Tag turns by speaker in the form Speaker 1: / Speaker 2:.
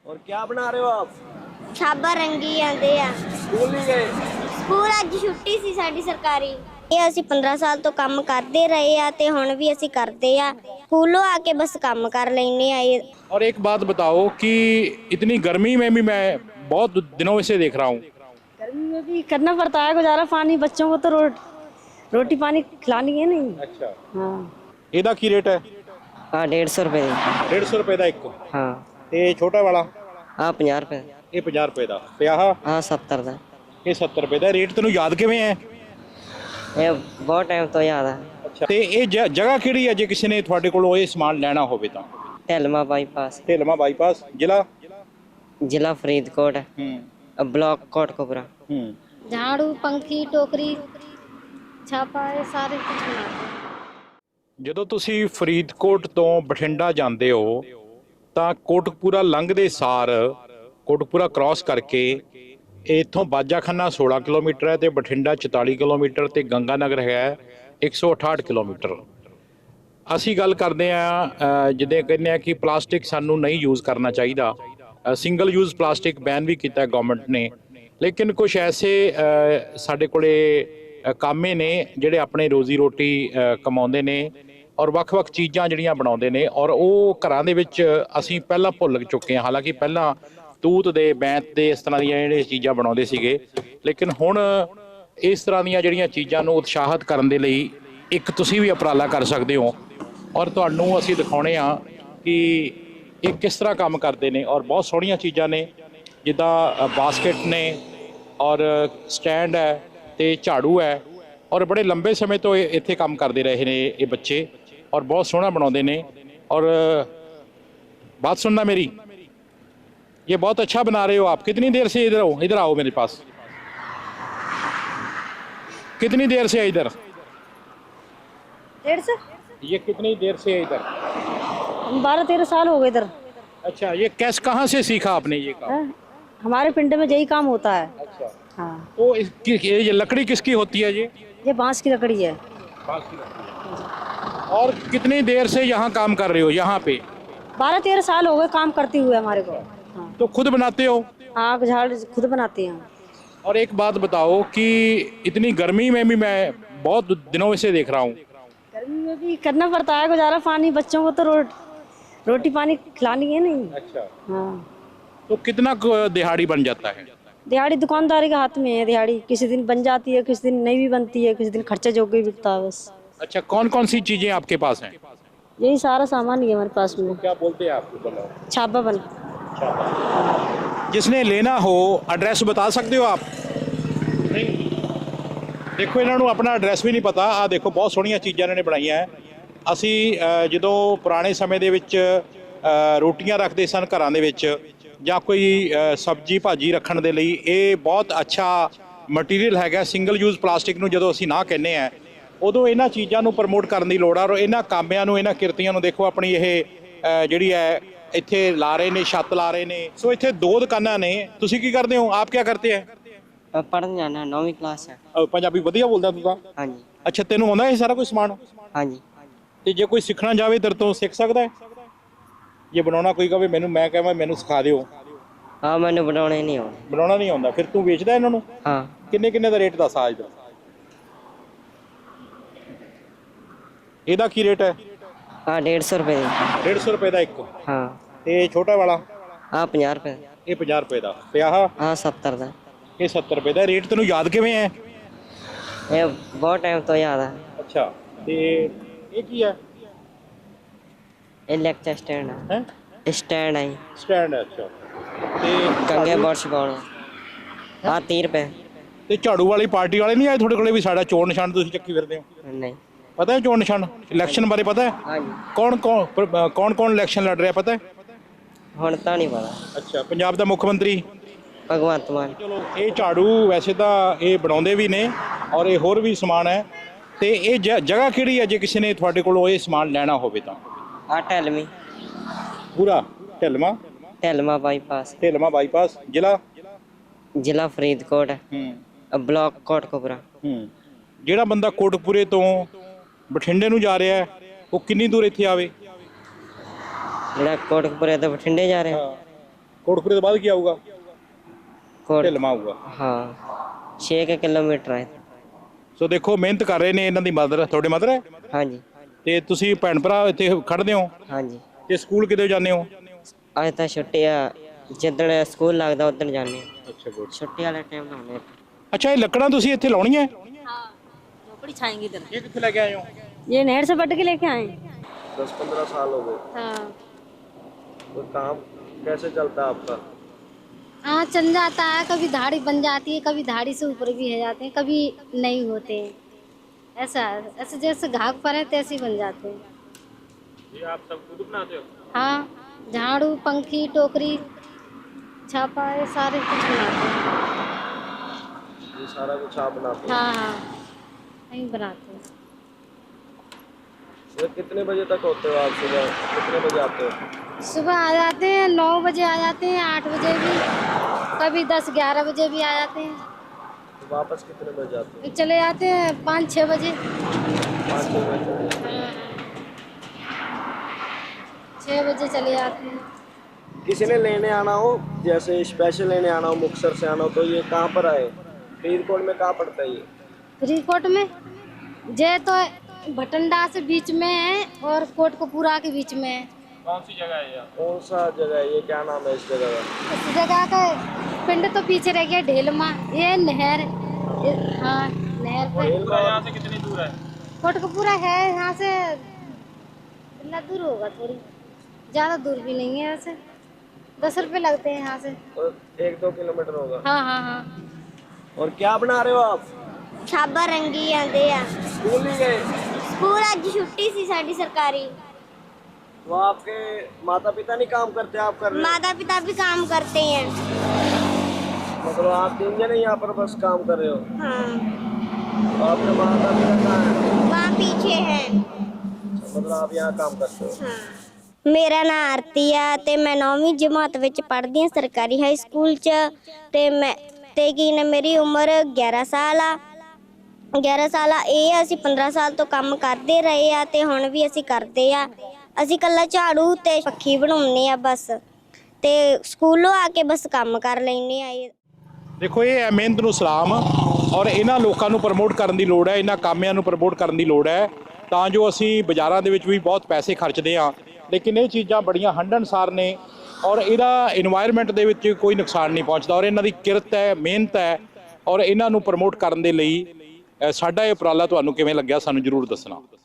Speaker 1: और क्या बना रहे हो आप?
Speaker 2: ਛਾਬਾ ਰੰਗੀ ਜਾਂਦੇ ਆ।
Speaker 1: स्कूल नहीं गए?
Speaker 2: ਸਕੂਲ ਅੱਜ ਛੁੱਟੀ ਸੀ ਸਾਡੀ ਸਰਕਾਰੀ। ਇਹ ਅਸੀਂ 15 ਸਾਲ ਤੋਂ ਕੰਮ ਕਰਦੇ ਰਹੇ ਆ ਤੇ ਹੁਣ ਵੀ ਅਸੀਂ ਕਰਦੇ ਆ। ਸਕੂਲੋਂ ਆ ਕੇ बस ਕੰਮ ਕਰ ਲੈਨੇ ਆ।
Speaker 3: और एक बात बताओ कि इतनी गर्मी में भी मैं बहुत दिनों से देख रहा हूँ,
Speaker 4: गर्मी में भी करना पड़ता है गुजारा। पानी बच्चों को तो रोटी पानी खिलानी है नहीं।
Speaker 3: अच्छा
Speaker 4: हाँ
Speaker 3: ਇਹਦਾ ਕੀ ਰੇਟ ਹੈ?
Speaker 5: हाँ 150 रुपये दी।
Speaker 3: 150 ਰੁਪਏ ਦਾ ਇੱਕ,
Speaker 5: हाँ
Speaker 3: ਤੇ ਛੋਟਾ ਵਾਲਾ
Speaker 5: हाँ 50 रुपये।
Speaker 3: ਇਹ 50 ਰੁਪਏ ਦਾ, ਤੇ ਆਹ
Speaker 5: हाँ 70 का।
Speaker 3: ਇਹ 70 ਰੁਪਏ ਦਾ। ਰੇਟ ਤੈਨੂੰ ਯਾਦ ਕਿਵੇਂ ਹੈ?
Speaker 5: ये बहुत टाइम तो याद है।
Speaker 3: ਅੱਛਾ, ਤੇ ਇਹ ਜਗ੍ਹਾ ਕਿਹੜੀ ਹੈ ਜੇ ਕਿਸੇ ਨੇ ਤੁਹਾਡੇ ਕੋਲੋਂ ਇਹ ਸਮਾਨ ਲੈਣਾ ਹੋਵੇ ਤਾਂ?
Speaker 5: ढेलमा बाईपास,
Speaker 3: ਢੇਲਮਾ ਬਾਈਪਾਸ, ਜ਼ਿਲ੍ਹਾ?
Speaker 5: जिला फरीदकोट, ब्लॉक कोटकपुरा।
Speaker 2: झाड़ू पंखी टोकरी छापा ये सारे कुछ बनाते हैं।
Speaker 3: ਜਦੋਂ ਤੁਸੀਂ ਫਰੀਦਕੋਟ ਤੋਂ ਬਠਿੰਡਾ ਜਾਂਦੇ ਹੋ ਤਾਂ ਕੋਟਕਪੂਰਾ ਲੰਘਦੇ ਸਾਰ, ਕੋਟਕਪੂਰਾ ਕ੍ਰਾਸ ਕਰਕੇ ਇੱਥੋਂ ਬਾਜਾਖਾਨਾ 16 ਕਿਲੋਮੀਟਰ ਹੈ ਤੇ ਬਠਿੰਡਾ 44 ਕਿਲੋਮੀਟਰ ਤੇ ਗੰਗਾ ਨਗਰ ਹੈ 168 ਕਿਲੋਮੀਟਰ। ਅਸੀਂ ਗੱਲ ਕਰਦੇ ਹਾਂ ਜਿੱਦਾਂ ਕਹਿੰਦੇ ਆ ਕਿ ਪਲਾਸਟਿਕ ਸਾਨੂੰ ਨਹੀਂ ਯੂਜ਼ ਕਰਨਾ ਚਾਹੀਦਾ। ਸਿੰਗਲ ਯੂਜ਼ ਪਲਾਸਟਿਕ ਬੈਨ ਵੀ ਕੀਤਾ ਗਵਰਨਮੈਂਟ ਨੇ, ਲੇਕਿਨ ਕੁਝ ਐਸੇ ਸਾਡੇ ਕੋਲੇ ਕਾਮੇ ਨੇ ਜਿਹੜੇ ਆਪਣੇ ਰੋਜ਼ੀ ਰੋਟੀ ਕਮਾਉਂਦੇ ਨੇ ਔਰ ਵੱਖ-ਵੱਖ ਚੀਜ਼ਾਂ ਜਿਹੜੀਆਂ ਬਣਾਉਂਦੇ ਨੇ, ਔਰ ਉਹ ਘਰਾਂ ਦੇ ਵਿੱਚ ਅਸੀਂ ਪਹਿਲਾਂ ਭੁੱਲ ਚੁੱਕੇ ਹਾਂ। ਹਾਲਾਂਕਿ ਪਹਿਲਾਂ ਤੂਤ ਦੇ, ਬੈਂਤ ਦੇ, ਇਸ ਤਰ੍ਹਾਂ ਦੀਆਂ ਜਿਹੜੀਆਂ ਚੀਜ਼ਾਂ ਬਣਾਉਂਦੇ ਸੀਗੇ, ਲੇਕਿਨ ਹੁਣ ਇਸ ਤਰ੍ਹਾਂ ਦੀਆਂ ਜਿਹੜੀਆਂ ਚੀਜ਼ਾਂ ਨੂੰ ਉਤਸ਼ਾਹਿਤ ਕਰਨ ਦੇ ਲਈ ਇੱਕ ਤੁਸੀਂ ਵੀ ਉਪਰਾਲਾ ਕਰ ਸਕਦੇ ਹੋ ਔਰ ਤੁਹਾਨੂੰ ਅਸੀਂ ਦਿਖਾਉਣੇ ਆ ਕਿ ਇਹ ਕਿਸ ਤਰ੍ਹਾਂ ਕੰਮ ਕਰਦੇ ਨੇ। ਔਰ ਬਹੁਤ ਸੋਹਣੀਆਂ ਚੀਜ਼ਾਂ ਨੇ, ਜਿੱਦਾਂ ਬਾਸਕਟ ਨੇ ਔਰ ਸਟੈਂਡ ਹੈ ਤੇ ਝਾੜੂ ਹੈ, ਔਰ ਬੜੇ ਲੰਬੇ ਸਮੇਂ ਤੋਂ ਇੱਥੇ ਕੰਮ ਕਰਦੇ ਰਹੇ ਨੇ ਇਹ ਬੱਚੇ और बहुत सोहना बनाते ने। और बात सुनना मेरी, ये बहुत अच्छा बना रहे हो आप। कितनी देर से इधर हो? इधर आओ मेरे पास। कितनी देर से है इधर?
Speaker 4: 150।
Speaker 3: ये कितनी देर से है इधर?
Speaker 4: 12-13 साल हो गए इधर।
Speaker 3: अच्छा, ये कैसे, कहाँ से सीखा आपने ये काम?
Speaker 4: हमारे पिंड में यही काम होता है।
Speaker 3: अच्छा,
Speaker 4: हाँ
Speaker 3: तो ये लकड़ी किसकी होती है?
Speaker 4: ये बांस की लकड़ी है।
Speaker 3: बांस की लकड़ी है। और कितनी देर से यहाँ काम कर रहे हो यहाँ पे?
Speaker 4: 12-13 साल हो गए काम करते हुए हमारे को। हाँ
Speaker 3: तो खुद बनाते हो?
Speaker 4: हाँ झाड़ खुद बनाते हैं।
Speaker 3: और एक बात बताओ कि इतनी गर्मी में भी मैं बहुत दिनों से देख रहा हूँ,
Speaker 4: गर्मी में भी करना पड़ता है गुजारा। पानी बच्चों को तो रोटी पानी खिलानी है नहीं।
Speaker 3: अच्छा,
Speaker 4: हाँ
Speaker 3: तो कितना दिहाड़ी बन जाता है?
Speaker 4: दिहाड़ी दुकानदारी के हाथ में है। दिहाड़ी किसी दिन बन जाती है, किसी दिन नहीं भी बनती है, किसी दिन खर्चा जोग भी बिकता है बस।
Speaker 3: अच्छा, कौन कौन सी चीजें आपके पास हैं?
Speaker 4: यही सारा सामान ही है हमारे पास में।
Speaker 3: क्या बोलते हैं आपको? बताओ।
Speaker 4: छापा बन।
Speaker 3: जिसने लेना हो एड्रेस बता सकते हो आप? नहीं, देखो इन्हों अपना एड्रेस भी नहीं पता। आ देखो बहुत सोहणियां चीज़ां इन्होंने बनाईयां है। असी जो पुराने समय दे विच रोटियां रखते सन घरां दे विच ਜਾਂ ਕੋਈ ਸਬਜ਼ੀ ਭਾਜੀ ਰੱਖਣ ਦੇ ਲਈ ਇਹ ਬਹੁਤ ਅੱਛਾ ਮਟੀਰੀਅਲ ਹੈਗਾ। ਸਿੰਗਲ ਯੂਜ਼ ਪਲਾਸਟਿਕ ਨੂੰ ਜਦੋਂ ਅਸੀਂ ਨਾ ਕਹਿੰਦੇ ਆ, ਉਦੋਂ ਇਹਨਾਂ ਚੀਜ਼ਾਂ ਨੂੰ ਪ੍ਰਮੋਟ ਕਰਨ ਦੀ ਲੋੜ ਆ। ਔਰ ਇਹਨਾਂ ਕਾਮਿਆਂ ਨੂੰ, ਇਹਨਾਂ ਕਿਰਤੀਆਂ ਨੂੰ ਦੇਖੋ, ਆਪਣੀ ਇਹ ਜਿਹੜੀ ਹੈ ਇੱਥੇ ਲਾ ਰਹੇ ਨੇ, ਛੱਤ ਲਾ ਰਹੇ ਨੇ। ਸੋ ਇੱਥੇ ਦੋ ਦੁਕਾਨਾਂ ਨੇ। ਤੁਸੀਂ ਕੀ ਕਰਦੇ ਹੋ? ਆਪ ਕੀ ਕਰਤੇ ਹੈ?
Speaker 5: पढ़ने जाना, 9वीं क्लास है।
Speaker 3: ਪੰਜਾਬੀ ਵਧੀਆ ਬੋਲਦਾ ਤੂੰ ਤਾਂ?
Speaker 5: हाँ जी।
Speaker 3: ਅੱਛਾ, ਤੈਨੂੰ ਆਉਂਦਾ ਇਹ ਸਾਰਾ ਕੁਝ ਸਮਾਨ?
Speaker 5: हाँ जी।
Speaker 3: ਤੇ ਜੇ ਕੋਈ ਸਿੱਖਣਾ ਜਾਵੇ ਤੇਰੇ ਤੋਂ ਸਿੱਖ ਸਕਦਾ ਹੈ? ਜੇ ਬਣਾਉਣਾ ਕੋਈ ਕਹੇ ਮੈਨੂੰ, ਮੈਂ ਕਹਾਂ ਮੈਨੂੰ ਸਿਖਾ ਦਿਓ।
Speaker 5: हाँ मैंने बनाने नहीं हो।
Speaker 3: ਬਣਾਉਣਾ ਨਹੀਂ ਆਉਂਦਾ, ਫਿਰ ਤੂੰ ਵੇਚਦਾ ਇਹਨਾਂ ਨੂੰ?
Speaker 5: हाँ
Speaker 3: ਕਿੰਨੇ ਕਿੰਨੇ ਦਾ ਰੇਟ ਦੱਸ ਆ ਇਧਰ। ਇਹਦਾ ਕੀ ਰੇਟ ਹੈ?
Speaker 5: हाँ 150 रुपये दी।
Speaker 3: 150 ਰੁਪਏ ਦਾ ਇੱਕ,
Speaker 5: हाँ
Speaker 3: ਤੇ ਛੋਟਾ ਵਾਲਾ?
Speaker 5: हाँ 50 रुपये।
Speaker 3: ਇਹ 50 ਰੁਪਏ ਦਾ, ਤੇ ਆਹ
Speaker 5: हाँ 70 का।
Speaker 3: ਇਹ 70 ਰੁਪਏ ਦਾ। ਰੇਟ ਤੈਨੂੰ ਯਾਦ ਕਿਵੇਂ ਹੈ?
Speaker 5: ये बहुत टाइम तो याद है।
Speaker 3: ਅੱਛਾ, ਤੇ ਇਹ ਕੀ ਹੈ?
Speaker 5: ये लेक्चर स्टैंड है।
Speaker 3: ਹੈ
Speaker 5: स्टैंड है।
Speaker 3: ਸਟੈਂਡ ਹੈ। ਅੱਛਾ, ਤੇ
Speaker 5: कंगे बर्श पाने। हाँ 30 रुपये।
Speaker 3: ਤੇ ਝਾੜੂ ਵਾਲੀ ਪਾਰਟੀ ਵਾਲੇ ਨਹੀਂ ਆਏ ਤੁਹਾਡੇ ਕੋਲੇ ਵੀ ਸਾਡਾ ਚੋਣ ਨਿਸ਼ਾਨ ਤੁਸੀਂ ਚੱਕੀ ਫਿਰਦੇ ਹੋ?
Speaker 5: नहीं।
Speaker 3: ਪਤਾ ਹੈ ਚੋਣ ਨਿਸ਼ਾਨ? ਇਲੈਕਸ਼ਨ ਬਾਰੇ ਪਤਾ ਹੈ?
Speaker 5: हाँ जी।
Speaker 3: ਕੌਣ ਇਲੈਕਸ਼ਨ ਲੜ ਰਿਹਾ ਪਤਾ ਹੈ?
Speaker 5: ਹੁਣ ਤਾਂ ਨਹੀਂ ਪਤਾ।
Speaker 3: ਅੱਛਾ, ਪੰਜਾਬ ਦਾ ਮੁੱਖ ਮੰਤਰੀ
Speaker 5: ਭਗਵੰਤ ਮਾਨ।
Speaker 3: ਚਲੋ, ਇਹ ਝਾੜੂ ਵੈਸੇ ਤਾਂ ਇਹ ਬਣਾਉਂਦੇ ਵੀ ਨੇ ਔਰ ਇਹ ਹੋਰ ਵੀ ਸਮਾਨ ਹੈ। ਤੇ ਇਹ ਜਗ੍ਹਾ ਕਿਹੜੀ ਹੈ ਜੇ ਕਿਸੇ ਨੇ ਤੁਹਾਡੇ ਕੋਲੋਂ ਇਹ ਸਮਾਨ ਲੈਣਾ ਹੋਵੇ ਤਾਂ?
Speaker 5: ਆ ਢਲਮੀ।
Speaker 3: ਪੂਰਾ ਢਿਲਮਾ?
Speaker 5: ਢਲਮਾ ਬਾਈਪਾਸ,
Speaker 3: ਢਿਲਮਾ ਬਾਈਪਾਸ, ਜ਼ਿਲ੍ਹਾ?
Speaker 5: ਜ਼ਿਲ੍ਹਾ ਫਰੀਦਕੋਟ, ਬਲਾਕ ਕੋਟਕਪੂਰਾ।
Speaker 3: ਜਿਹੜਾ ਬੰਦਾ ਕੋਟਕਪੂਰੇ ਤੋਂ ਬਠਿੰਡੇ ਨੂੰ ਜਾ ਰਿਹਾ ਉਹ ਕਿੰਨੀ ਦੂਰ ਇੱਥੇ ਆਵੇ?
Speaker 5: ਜਿਹੜਾ ਕੋਟਕਪੂਰੇ ਤੋਂ ਬਠਿੰਡੇ ਜਾ ਰਿਹਾ
Speaker 3: ਕੋਟਕਪੂਰੇ ਤੋਂ ਬਾਅਦ ਕੀ ਆਊਗਾ?
Speaker 5: ਕੋਟ
Speaker 3: ਢਿਲਮਾ ਆਊਗਾ।
Speaker 5: ਹਾਂ 6 ਕਿਲੋਮੀਟਰ ਹੈ।
Speaker 3: ਸੋ ਦੇਖੋ ਮਿਹਨਤ ਕਰ ਰਹੇ ਨੇ ਇਹਨਾਂ ਦੀ ਮਦਰ, ਤੁਹਾਡੇ ਮਦਰ ਹੈ
Speaker 5: ਹਾਂਜੀ
Speaker 3: ਤੇ ਤੁਸੀਂ ਭੈਣ ਭਰਾ ਇੱਥੇ ਖੜਦੇ ਹੋ
Speaker 5: ਹਾਂਜੀ।
Speaker 3: ਤੇ ਸਕੂਲ ਕਿਤੇ ਜਾਂਦੇ ਹੋ?
Speaker 5: ਅੱਜ ਤਾਂ ਛੁੱਟੀ ਆ, ਜਿੱਦਣ ਸਕੂਲ ਲੱਗਦਾ ਉਦੋਂ ਜਾਂਦੇ ਹਾਂ।
Speaker 3: ਅੱਛਾ ਗੁੱਡ।
Speaker 5: ਛੁੱਟੀ ਵਾਲੇ ਟਾਈਮ ਲਾਉਂਦੇ ਹਾਂ।
Speaker 3: ਅੱਛਾ ਇਹ ਲੱਕੜਾਂ ਤੁਸੀਂ ਇੱਥੇ ਲਾਉਣੀਆਂ?
Speaker 4: हाँ झोपड़ी छाएंगे इधर।
Speaker 3: ਇਹ ਕਿੱਥੇ ਲੈ ਕੇ ਆਏ ਹੋ?
Speaker 4: ये नहर से पट के लेके आए।
Speaker 1: 10-15 साल हो गए।
Speaker 4: हाँ
Speaker 1: तो काम कैसे चलता है आपका?
Speaker 6: हाँ चल जाता है, कभी धाड़ी बन जाती है, कभी धाड़ी से ऊपर भी हो जाते हैं, कभी नहीं होते हैं। ऐसा ऐसे जैसे घाक पर है तैसे ही बन जाते हैं।
Speaker 3: ये आप सब खुद बनाते हो?
Speaker 6: हाँ झाड़ू पंखी टोकरी छापा ये सारे कुछ बनाते हैं।
Speaker 1: ये सारा कुछ आप बनाते हैं?
Speaker 6: हाँ हाँ नहीं बनाते हैं।
Speaker 1: तो कितने बजे तक होते हो आप? सुबह कितने बजे आते हो?
Speaker 6: सुबह आ जाते हैं 9 बजे आ जाते हैं, 8 बजे भी, कभी 10-11 बजे भी आ जाते हैं।
Speaker 1: तो वापस कितने बजे आते हो?
Speaker 6: चले जाते हैं 5-6 बजे।
Speaker 1: 5-6 बजे।
Speaker 6: 6 बजे चले जाते हैं।
Speaker 1: किसी ने लेने आना हो, जैसे स्पेशल लेने आना हो, मुक्तसर से आना हो, तो ये कहाँ पर आए? फरीदकोट में कहाँ पड़ता है ये?
Speaker 6: फरीदकोट में जे तो भटंडा से बीच में है और कोटकपूरा के बीच में है।
Speaker 3: कौन सी जगह है ये?
Speaker 1: कौन सा जगह है ये? क्या नाम है इस जगह का?
Speaker 6: इस जगह का पिंड तो पीछे रह गया ढेलमा, ये नहर। हाँ नहर पे
Speaker 3: यहाँ से कितनी दूर है?
Speaker 6: कोटकपूरा है यहाँ से, कितना दूर होगा, थोड़ी ज़्यादा दूर भी नहीं है वैसे। 10 रुपये लगते हैं यहाँ से।
Speaker 1: तो 1-2 किलोमीटर होगा।
Speaker 6: हाँ हाँ हाँ।
Speaker 1: और क्या बना रहे हो आप?
Speaker 2: ਛਾਬਾ ਰੰਗੀ ਜਾਂਦੇ ਆ।
Speaker 1: स्कूल नहीं गए?
Speaker 2: ਸਕੂਲ ਅੱਜ ਛੁੱਟੀ ਸੀ ਸਾਡੀ ਸਰਕਾਰੀ।
Speaker 1: तो आपके माता पिता नहीं काम करते, आप कर रहे हो?
Speaker 2: माता पिता भी काम करते हैं।
Speaker 1: मतलब आप 3 जने यहाँ पर बस काम कर रहे हो?
Speaker 2: हाँ
Speaker 1: तो आपके माता पिता कहाँ हैं?
Speaker 2: वहाँ पीछे है।
Speaker 1: मतलब आप यहाँ काम करते हो?
Speaker 2: हाँ ਮੇਰਾ ਨਾਂ ਆਰਤੀ ਆ ਤੇ ਮੈਂ 9ਵੀਂ ਜਮਾਤ ਵਿੱਚ ਪੜ੍ਹਦੀ ਹਾਂ ਸਰਕਾਰੀ ਹਾਈ ਸਕੂਲ 'ਚ ਤੇ ਕੀ ਨੇ ਮੇਰੀ ਉਮਰ 11 ਸਾਲ ਆ। 11 ਸਾਲ ਆ। ਇਹ ਅਸੀਂ 15 ਸਾਲ ਤੋਂ ਕੰਮ ਕਰਦੇ ਰਹੇ ਆ ਤੇ ਹੁਣ ਵੀ ਅਸੀਂ ਕਰਦੇ ਆ। ਅਸੀਂ ਕੱਲਾ ਝਾੜੂ ਤੇ ਪੱਖੀ ਬਣਾਉਂਦੇ ਆ ਬਸ, ਤੇ ਸਕੂਲੋਂ ਆ ਕੇ ਬਸ ਕੰਮ ਕਰ ਲੈਂਦੇ ਆ।
Speaker 3: ਦੇਖੋ ਇਹ ਹੈ ਮਿਹਨਤ ਨੂੰ ਸਲਾਮ, ਔਰ ਇਹਨਾਂ ਲੋਕਾਂ ਨੂੰ ਪ੍ਰਮੋਟ ਕਰਨ ਦੀ ਲੋੜ ਹੈ, ਇਹਨਾਂ ਕਾਮਿਆਂ ਨੂੰ ਪ੍ਰਮੋਟ ਕਰਨ ਦੀ ਲੋੜ ਹੈ, ਤਾਂ ਜੋ ਅਸੀਂ ਬਾਜ਼ਾਰਾਂ ਦੇ ਵਿੱਚ ਵੀ ਬਹੁਤ ਪੈਸੇ ਖਰਚਦੇ ਹਾਂ ਲੇਕਿਨ ਇਹ ਚੀਜ਼ਾਂ ਬੜੀਆਂ ਹੰਢਣਸਾਰ ਨੇ ਔਰ ਇਹਦਾ ਇਨਵਾਇਰਨਮੈਂਟ ਦੇ ਵਿੱਚ ਕੋਈ ਨੁਕਸਾਨ ਨਹੀਂ ਪਹੁੰਚਦਾ ਔਰ ਇਹਨਾਂ ਦੀ ਕਿਰਤ ਹੈ, ਮਿਹਨਤ ਹੈ ਔਰ ਇਹਨਾਂ ਨੂੰ ਪ੍ਰਮੋਟ ਕਰਨ ਦੇ ਲਈ ਸਾਡਾ ਇਹ ਉਪਰਾਲਾ ਤੁਹਾਨੂੰ ਕਿਵੇਂ ਲੱਗਿਆ ਸਾਨੂੰ ਜ਼ਰੂਰ ਦੱਸਣਾ।